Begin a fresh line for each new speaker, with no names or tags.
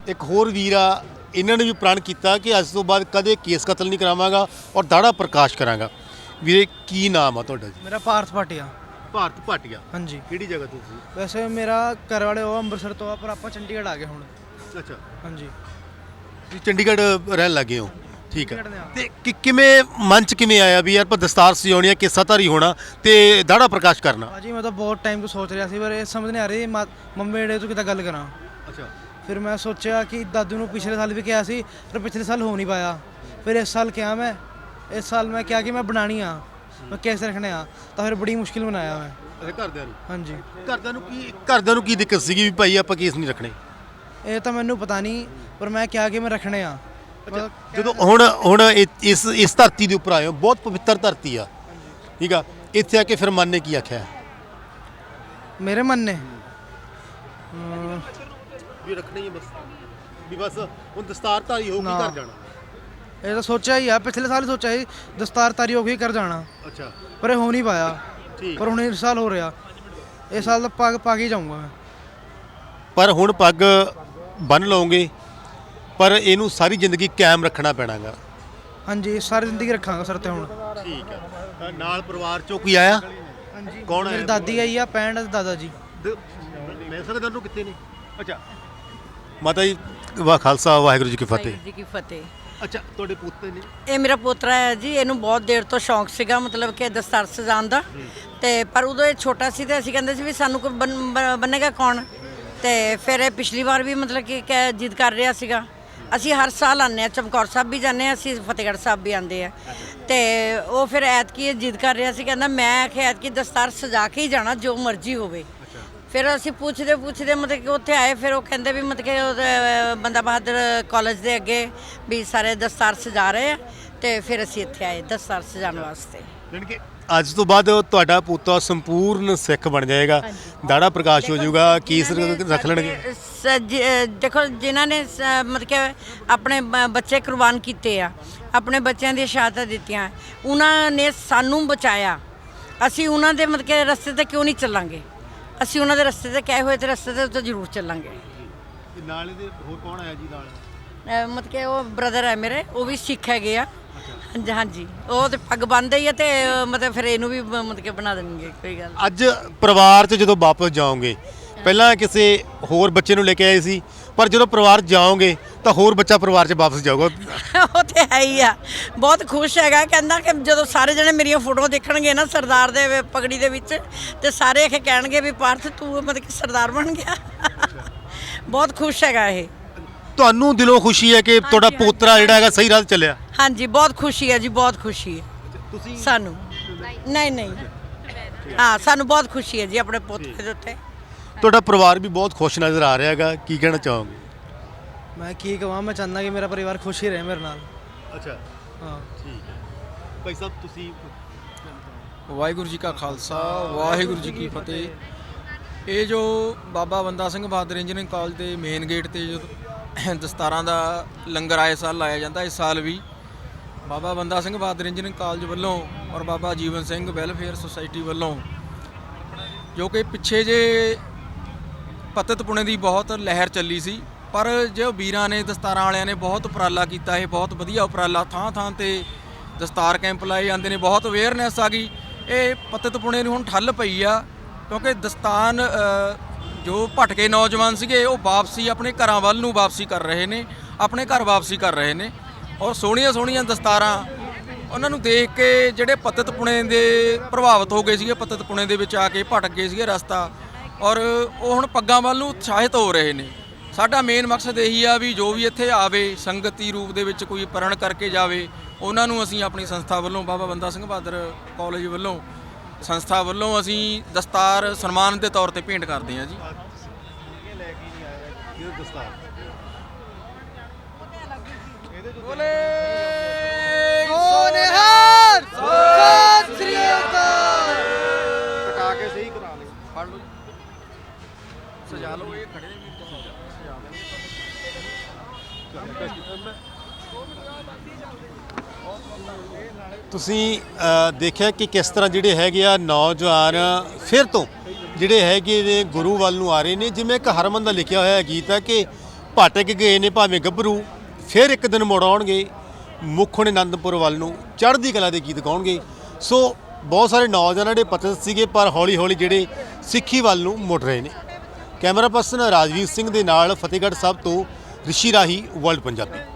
ਇੱਕ ਹੋਰ ਵੀਰ ਆ, ਇਹਨਾਂ ਨੇ ਵੀ ਪ੍ਰਣ ਕੀਤਾ ਕਿ ਅੱਜ ਤੋਂ ਬਾਅਦ ਕਦੇ ਕੇਸ ਕਤਲ ਨਹੀਂ ਕਰਾਵਾਂਗਾ ਔਰ ਦਾੜਾ ਪ੍ਰਕਾਸ਼ ਕਰਾਂਗਾ। ਵੀਰੇ ਕੀ ਨਾਮ ਆ ਤੁਹਾਡਾ ਜੀ?
मेरा पार्थ भाटिया।
ਭਾਰਤ ਭਾਟੀਆ।
हाँ जी।
ਕਿਹੜੀ ਜਗ੍ਹਾ ਤੋਂ ਤੁਸੀਂ?
वैसे मेरा घर वाले हो ਅੰਮ੍ਰਿਤਸਰ ਤੋਂ ਆ ਪਰ ਆਪਾਂ ਚੰਡੀਗੜ੍ਹ ਆ ਗਏ ਹੁਣ।
ਅੱਛਾ,
हाँ जी।
ਤੁਸੀਂ ਚੰਡੀਗੜ੍ਹ ਰਹਿਣ ਲੱਗੇ ਹੋ, ਠੀਕ ਹੈ।
ਚੰਡੀਗੜ੍ਹ ਦੇ ਆ।
ਤੇ ਕਿਵੇਂ ਮਨ ਚ ਕਿਵੇਂ ਆਇਆ ਵੀ ਯਾਰ ਆਪਾਂ ਦਸਤਾਰ ਸਜਾਉਣੀ ਆ, ਕੇਸਾਧਾਰੀ ਹੋਣਾ ਤੇ ਦਾੜਾ ਪ੍ਰਕਾਸ਼ ਕਰਨਾ?
ਭਾਜੀ ਮੈਂ ਤਾਂ ਬਹੁਤ ਟਾਈਮ ਤੋਂ ਸੋਚ ਰਿਹਾ ਸੀ ਪਰ ਇਹ ਸਮਝ ਨਹੀਂ ਆ ਰਹੀ ਮੰਮੀ ਡੈਡੀ ਤੋਂ ਕਿੱਦਾਂ ਗੱਲ ਕਰਾਂ।
ਅੱਛਾ,
ਫਿਰ ਮੈਂ ਸੋਚਿਆ ਕਿ ਦਾਦੂ ਨੂੰ ਪਿਛਲੇ ਸਾਲ ਵੀ ਕਿਹਾ ਸੀ ਪਰ ਪਿਛਲੇ ਸਾਲ ਹੋ ਨਹੀਂ ਪਾਇਆ। ਫਿਰ ਇਸ ਸਾਲ ਕਿਹਾ ਮੈਂ, ਇਸ ਸਾਲ ਮੈਂ ਕਿਹਾ ਕਿ ਮੈਂ ਬਣਾਣੀ ਆ, ਮੈਂ ਕੇਸ ਰੱਖਣੇ ਆ, ਤਾਂ ਫਿਰ ਬੜੀ ਮੁਸ਼ਕਿਲ ਬਣਾਇਆ ਮੈਂ।
ਅੱਛਾ, ਘਰਦਿਆਂ ਨੂੰ?
ਹਾਂਜੀ।
ਘਰਦਿਆਂ ਨੂੰ ਕੀ ਦਿੱਕਤ ਸੀਗੀ ਵੀ ਭਾਈ ਆਪਾਂ ਕੇਸ ਨਹੀਂ ਰੱਖਣੇ?
ਇਹ ਤਾਂ ਮੈਨੂੰ ਪਤਾ ਨਹੀਂ ਪਰ ਮੈਂ ਕਿਹਾ ਕਿ ਮੈਂ ਰੱਖਣੇ ਆ।
ਜਦੋਂ ਹੁਣ ਇਸ ਧਰਤੀ ਦੇ ਉੱਪਰ ਆਏ ਹੋ, ਬਹੁਤ ਪਵਿੱਤਰ ਧਰਤੀ ਆ, ਠੀਕ ਆ, ਇੱਥੇ ਆ ਕੇ ਫਿਰ ਮਨ ਨੇ ਕੀ ਆਖਿਆ?
ਮੇਰੇ ਮਨ ਨੇ
ਵੀ ਰੱਖਣੀ ਹੈ ਬਸ, ਵੀ ਬਸ ਹੁਣ ਦਸਤਾਰਧਾਰੀ ਹੋ ਕੇ ਘਰ ਜਾਣਾ।
ਇਹ ਤਾਂ ਸੋਚਿਆ ਹੀ ਆ, ਪਿਛਲੇ ਸਾਲ ਹੀ ਸੋਚਿਆ ਸੀ ਦਸਤਾਰਧਾਰੀ ਹੋ ਕੇ ਕਰ ਜਾਣਾ,
ਅੱਛਾ,
ਪਰ ਇਹ ਹੋ ਨਹੀਂ ਪਾਇਆ।
ਠੀਕ।
ਪਰ ਹੁਣ ਇਸ ਸਾਲ ਹੋ ਰਿਹਾ, ਇਸ ਸਾਲ ਤਾਂ ਪੱਗ ਪਾ ਕੇ ਹੀ ਜਾਊਂਗਾ ਮੈਂ।
ਪਰ ਹੁਣ ਪੱਗ ਬੰਨ ਲਓਗੇ ਪਰ ਇਹਨੂੰ ਸਾਰੀ ਜ਼ਿੰਦਗੀ ਕਾਇਮ ਰੱਖਣਾ ਪੈਣਾਗਾ।
ਹਾਂਜੀ, ਸਾਰੀ ਜ਼ਿੰਦਗੀ ਰੱਖਾਂਗਾ ਸਰ ਤੇ ਹੁਣ।
ਠੀਕ ਹੈ। ਨਾਲ ਪਰਿਵਾਰ ਚੋਂ ਕੋਈ ਆਇਆ?
ਹਾਂਜੀ।
ਕੌਣ ਆਇਆ?
ਮੇਰੀ ਦਾਦੀ ਆਈ ਆ, ਪੈਣ ਦਾਦਾ ਜੀ।
ਮੈਂ ਸਕਦਾ ਨੂੰ ਕਿੱਥੇ ਨੇ? ਅੱਛਾ, ਮਾਤਾ ਜੀ ਵਾਹ ਖਾਲਸਾ ਵਾਹਿਗੁਰੂ ਜੀ ਕੀ ਫਤਿਹ।
ਵਾਹਿਗੁਰੂ ਜੀ ਕੀ ਫਤਿਹ।
ਅੱਛਾ, ਤੁਹਾਡੇ ਪੁੱਤੇ ਨੇ?
ਇਹ ਮੇਰਾ ਪੋਤਰਾ ਹੈ ਜੀ, ਇਹਨੂੰ ਬਹੁਤ ਦੇਰ ਤੋਂ ਸ਼ੌਂਕ ਸੀਗਾ ਮਤਲਬ ਕਿ ਦਸਤਾਰ ਸਜਾਉਣ ਦਾ, ਤੇ ਪਰ ਉਦੋਂ ਇਹ ਛੋਟਾ ਸੀ ਤੇ ਅਸੀਂ ਕਹਿੰਦੇ ਸੀ ਵੀ ਸਾਨੂੰ ਕੋਈ ਬੰਨੇਗਾ ਕੌਣ। ਤੇ ਫਿਰ ਇਹ ਪਿਛਲੀ ਵਾਰ ਵੀ ਮਤਲਬ ਕਿ ਜਿੱਦ ਕਰ ਰਿਹਾ ਸੀਗਾ। ਅਸੀਂ ਹਰ ਸਾਲ ਆਉਂਦੇ ਹਾਂ, ਚਮਕੌਰ ਸਾਹਿਬ ਵੀ ਜਾਂਦੇ ਹਾਂ, ਅਸੀਂ ਫਤਿਹਗੜ੍ਹ ਸਾਹਿਬ ਵੀ ਆਉਂਦੇ ਆ। ਤੇ ਉਹ ਫਿਰ ਐਤਕੀ ਇਹ ਜਿੱਦ ਕਰ ਰਿਹਾ ਸੀ, ਕਹਿੰਦਾ ਮੈਂ ਆਖਿਆ ਐਤਕੀ ਦਸਤਾਰ ਸਜਾ ਕੇ ਹੀ ਜਾਣਾ ਜੋ ਮਰਜ਼ੀ ਹੋਵੇ। ਫਿਰ ਅਸੀਂ ਪੁੱਛਦੇ ਮਤਲਬ ਕਿ ਉੱਥੇ ਆਏ, ਫਿਰ ਉਹ ਕਹਿੰਦੇ ਵੀ ਮਤਲਬ ਕਿ ਬੰਦਾ ਬਹਾਦਰ ਕਾਲਜ ਦੇ ਅੱਗੇ ਵੀ ਸਾਰੇ ਦਸਤਾਰ ਸਜਾ ਰਹੇ ਆ, ਤੇ ਫਿਰ ਅਸੀਂ ਇੱਥੇ ਆਏ ਦਸਤਾਰ ਸਜਾਉਣ ਵਾਸਤੇ।
ਯਾਨੀ ਕਿ ਅੱਜ ਤੋਂ ਬਾਅਦ ਤੁਹਾਡਾ ਪੁੱਤਾ ਸੰਪੂਰਨ ਸਿੱਖ ਬਣ ਜਾਏਗਾ, ਦਾੜਾ ਪ੍ਰਕਾਸ਼ ਹੋ ਜਾਊਗਾ, ਕੇਸ ਰੱਖ ਲੈਣਗੇ।
ਦੇਖੋ ਜਿਨ੍ਹਾਂ ਨੇ ਮਤਲਬ ਕਿ ਆਪਣੇ ਬੱਚੇ ਕੁਰਬਾਨ ਕੀਤੇ ਆ, ਆਪਣੇ ਬੱਚਿਆਂ ਦੀਆਂ ਸ਼ਹਾਦਤਾਂ ਦਿੱਤੀਆਂ, ਉਹਨਾਂ ਨੇ ਸਾਨੂੰ ਬਚਾਇਆ। ਅਸੀਂ ਉਹਨਾਂ ਦੇ ਮਤਲਬ ਕਿ ਰਸਤੇ ਤੇ ਕਿਉਂ ਨਹੀਂ ਚੱਲਾਂਗੇ? ਅਸੀਂ ਉਹਨਾਂ ਦੇ ਰਸਤੇ ਤੇ ਕਹੇ ਹੋਏ ਤੇ ਰਸਤੇ ਤੇ ਉੱਤੇ ਜ਼ਰੂਰ ਚੱਲਾਂਗੇ।
ਨਾਲ ਇਹਦੇ ਹੋਰ ਕੌਣ ਆਇਆ ਜੀ ਨਾਲ?
ਮਤਲਬ ਕਿ ਉਹ ਬ੍ਰਦਰ ਹੈ ਮੇਰੇ, ਉਹ ਵੀ ਸਿੱਖ ਹੈਗੇ ਆ। ਹਾਂਜੀ ਹਾਂਜੀ, ਉਹ ਤੇ ਪੱਗ ਬੰਨ੍ਹਦੇ ਹੀ ਆ, ਤੇ ਮਤਲਬ ਫਿਰ ਇਹਨੂੰ ਵੀ ਮਤਲਬ ਕਿ ਬਣਾ ਦੇਣਗੇ, ਕੋਈ ਗੱਲ।
ਅੱਜ ਪਰਿਵਾਰ 'ਚ ਜਦੋਂ ਵਾਪਸ ਜਾਓਗੇ, ਪਹਿਲਾਂ ਕਿਸੇ ਹੋਰ ਬੱਚੇ ਨੂੰ ਲੈ ਕੇ ਆਏ ਸੀ, ਪਰ ਜਦੋਂ ਪਰਿਵਾਰ ਜਾਓਗੇ ਤਾਂ ਹੋਰ ਬੱਚਾ ਪਰਿਵਾਰ 'ਚ ਵਾਪਸ ਜਾਊਗਾ।
ਉਹ ਤੇ ਹੈ ਹੀ ਆ, ਬਹੁਤ ਖੁਸ਼ ਹੈਗਾ, ਕਹਿੰਦਾ ਕਿ ਜਦੋਂ ਸਾਰੇ ਜਣੇ ਮੇਰੀਆਂ ਫੋਟੋਆਂ ਦੇਖਣਗੇ ਨਾ ਸਰਦਾਰ ਦੇ ਪਗੜੀ ਦੇ ਵਿੱਚ, ਤੇ ਸਾਰੇ ਇਹ ਕਹਿਣਗੇ ਵੀ ਪਾਰਥ ਤੂੰ ਮਤਲਬ ਕਿ ਸਰਦਾਰ ਬਣ ਗਿਆ। ਬਹੁਤ ਖੁਸ਼ ਹੈਗਾ ਇਹ।
ਤੁਹਾਨੂੰ ਦਿਲੋਂ ਖੁਸ਼ੀ ਹੈ ਕਿ ਤੁਹਾਡਾ ਪੋਤਰਾ ਜਿਹੜਾ ਹੈਗਾ ਸਹੀ ਰਾਹ 'ਤੇ ਚੱਲਿਆ?
ਹਾਂਜੀ, ਬਹੁਤ ਖੁਸ਼ੀ ਹੈ ਜੀ, ਬਹੁਤ ਖੁਸ਼ੀ ਹੈ
ਤੁਸੀਂ?
ਸਾਨੂੰ ਨਹੀਂ, ਹਾਂ ਸਾਨੂੰ ਬਹੁਤ ਖੁਸ਼ੀ ਹੈ ਜੀ ਆਪਣੇ ਪੋਤਰੇ ਦੇ ਉੱਤੇ।
ਤੁਹਾਡਾ ਪਰਿਵਾਰ ਵੀ ਬਹੁਤ ਖੁਸ਼ ਨਜ਼ਰ ਆ ਰਿਹਾ ਹੈਗਾ, ਕੀ ਕਹਿਣਾ ਚਾਹੋਗੇ?
ਮੈਂ ਕੀ ਕਹਾਂ, ਮੈਂ ਚਾਹੁੰਦਾ ਕਿ ਮੇਰਾ ਪਰਿਵਾਰ ਖੁਸ਼ ਹੀ ਰਹੇ ਮੇਰੇ ਨਾਲ।
ਅੱਛਾ,
ਹਾਂ
ਠੀਕ ਹੈ। ਭਾਈ ਸਾਹਿਬ ਤੁਸੀਂ?
ਵਾਹਿਗੁਰੂ ਜੀ ਕਾ ਖਾਲਸਾ ਵਾਹਿਗੁਰੂ ਜੀ ਕੀ ਫਤਿਹ। ਇਹ ਜੋ ਬਾਬਾ ਬੰਦਾ ਸਿੰਘ ਬਹਾਦਰ ਇੰਜੀਨੀਅਰਿੰਗ ਕਾਲਜ ਦੇ ਮੇਨ ਗੇਟ ਤੇ ਜੋ ਦਸਤਾਰਾਂ ਦਾ ਲੰਗਰ ਆਏ ਸਾਲ ਲਾਇਆ ਜਾਂਦਾ, ਇਸ ਸਾਲ ਵੀ ਬਾਬਾ ਬੰਦਾ ਸਿੰਘ ਬਹਾਦਰ ਇੰਜੀਨੀਅਰਿੰਗ ਕਾਲਜ ਵੱਲੋਂ ਔਰ ਬਾਬਾ ਜੀਵਨ ਸਿੰਘ ਵੈਲਫੇਅਰ ਸੁਸਾਇਟੀ ਵੱਲੋਂ, ਜੋ ਕਿ ਪਿੱਛੇ ਜੇ ਪਤਿਤ ਪੁਣੇ ਦੀ ਬਹੁਤ ਲਹਿਰ ਚੱਲੀ ਸੀ, ਪਰ ਜੋ ਵੀਰਾਂ ਨੇ ਦਸਤਾਰਾਂ ਵਾਲਿਆਂ ਨੇ ਬਹੁਤ ਉਪਰਾਲਾ ਕੀਤਾ, ਇਹ ਬਹੁਤ ਵਧੀਆ ਉਪਰਾਲਾ, ਥਾਂ ਥਾਂ ਤੇ ਦਸਤਾਰ ਕੈਂਪ ਲਾਏ ਜਾਂਦੇ ਨੇ, ਬਹੁਤ ਅਵੇਅਰਨੈਸ ਆ ਗਈ। ਇਹ ਪਤਿਤ ਪੁਣੇ ਨੂੰ ਹੁਣ ਠੱਲ ਪਈ ਆ, ਕਿਉਂਕਿ ਦਸਤਾਨ ਜੋ ਭਟਕੇ ਨੌਜਵਾਨ ਸੀਗੇ ਉਹ ਵਾਪਸੀ ਆਪਣੇ ਘਰਾਂ ਵੱਲ ਨੂੰ ਵਾਪਸੀ ਕਰ ਰਹੇ ਨੇ, ਆਪਣੇ ਘਰ ਵਾਪਸੀ ਕਰ ਰਹੇ ਨੇ। ਔਰ ਸੋਹਣੀਆਂ ਸੋਹਣੀਆਂ ਦਸਤਾਰਾਂ ਉਹਨਾਂ ਨੂੰ ਦੇਖ ਕੇ ਜਿਹੜੇ ਪਤਿਤ ਪੁਣੇ ਦੇ ਪ੍ਰਭਾਵਿਤ ਹੋ ਗਏ ਸੀਗੇ, ਪਤਿਤ ਪੁਣੇ ਦੇ ਵਿੱਚ ਆ ਕੇ ਭਟਕ ਗਏ ਸੀਗੇ ਰਸਤਾ, ਔਰ ਉਹ ਹੁਣ ਪੱਗਾਂ ਵੱਲ ਨੂੰ ਉਤਸ਼ਾਹਿਤ ਹੋ ਰਹੇ ਨੇ। ਸਾਡਾ ਮੇਨ ਮਕਸਦ ਇਹੀ ਆ ਵੀ ਜੋ ਵੀ ਇੱਥੇ ਆਵੇ ਸੰਗਤੀ ਰੂਪ ਦੇ ਵਿੱਚ ਕੋਈ ਪ੍ਰਣ ਕਰਕੇ ਜਾਵੇ, ਉਹਨਾਂ ਨੂੰ ਅਸੀਂ ਆਪਣੀ ਸੰਸਥਾ ਵੱਲੋਂ, ਬਾਬਾ ਬੰਦਾ ਸਿੰਘ ਬਹਾਦਰ ਕਾਲਜ ਵੱਲੋਂ, ਸੰਸਥਾ ਵੱਲੋਂ ਅਸੀਂ ਦਸਤਾਰ ਸਨਮਾਨ ਦੇ ਤੌਰ ਤੇ ਭੇਂਟ ਕਰਦੇ ਹਾਂ ਜੀ। ਬੋਲੇ
ਸੋਨੇਹਾਰ ਸਤਿ ਸ੍ਰੀ ਅਕਾਲ।
ਕਟਾ ਕੇ ਸਹੀ ਕਰਾ ਲੈ, ਫੜ ਲਓ ਸਜਾ ਲਓ, ਇਹ ਖੜੇ ਨੇ ਸਜਾ
ਤੁਸੀਂ ਦੇਖਿਆ ਕਿ ਕਿਸ ਤਰ੍ਹਾਂ ਜਿਹੜੇ ਹੈਗੇ ਆ ਨੌਜਵਾਨ ਫਿਰ ਤੋਂ ਜਿਹੜੇ ਹੈਗੇ ਨੇ ਗੁਰੂ ਵੱਲ ਨੂੰ ਆ ਰਹੇ ਨੇ। ਜਿਵੇਂ ਇੱਕ ਹਰਮਨ ਦਾ ਲਿਖਿਆ ਹੋਇਆ ਗੀਤ ਹੈ ਕਿ ਭਟਕ ਗਏ ਨੇ ਭਾਵੇਂ ਗੱਭਰੂ, ਫਿਰ ਇੱਕ ਦਿਨ ਮੁੜ ਆਉਣਗੇ, ਮੁੱਖ ਹੋਣੇ ਆਨੰਦਪੁਰ ਵੱਲ ਨੂੰ, ਚੜ੍ਹਦੀ ਕਲਾ ਦੇ ਗੀਤ ਗਾਉਣਗੇ। ਸੋ ਬਹੁਤ ਸਾਰੇ ਨੌਜਵਾਨ ਜਿਹੜੇ ਪਤਿਤ ਸੀਗੇ ਪਰ ਹੌਲੀ ਹੌਲੀ ਜਿਹੜੇ ਸਿੱਖੀ ਵੱਲ ਨੂੰ ਮੁੜ ਰਹੇ ਨੇ। ਕੈਮਰਾ ਪਰਸਨ ਰਾਜਵੀਰ ਸਿੰਘ ਦੇ ਨਾਲ ਫਤਿਹਗੜ੍ਹ ਸਾਹਿਬ ਤੋਂ ਰਿਸ਼ੀ ਰਾਹੀ, ਵਰਲਡ ਪੰਜਾਬੀ।